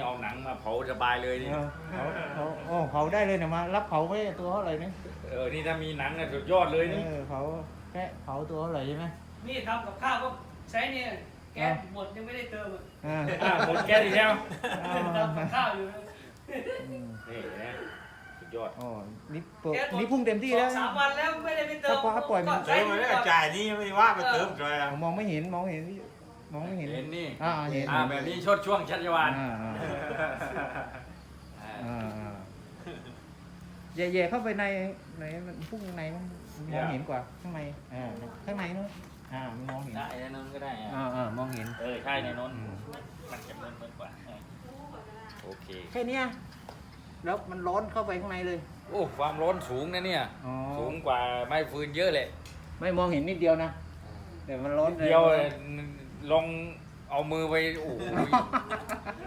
เอาหนังมาเผาสบายเลยนี่เผาได้เลยเนี่ยมารับเผาไม่ตัวเท่าไหร่นี่นี่ถ้ามีหนังน่ะสุดยอดเลยนี่เผาแค่เผาตัวเท่าไหร่ใช่ไหมนี่ทำกับข้าวก็ใช้เนี่ยแก๊สหมดยังไม่ได้เติมหมดแก๊สอีกแล้วทำกับข้าวอยู่นี่นะสุดยอดอ๋อนี่พุ่งเต็มที่แล้ว 3 วันแล้วไม่ได้ไปเติมปล่อยมันใช้เติมมาได้จ่ายนี่ไม่ว่าไปเติมจ่ายมองไม่เห็นมองไม่เห็นเห็นนี่เห็นแบบนี้ชดช่วงชัชวาลแย่ๆเข้าไปในมันพุ่งในมันมองเห็นกว่าข้างในข้างในนู้นมันมองเห็นได้ในนั้นก็ได้มองเห็นใช่ในนั้นมันจะเบิ่นกว่าโอเคแค่เนี้ยแล้วมันร้อนเข้าไปข้างในเลยโอ้ความร้อนสูงนะเนี่ยสูงกว่าไม้ฟืนเยอะเลยไม่มองเห็นนิดเดียวนะแต่มันร้อนเดียวลองเอามือไปโอ้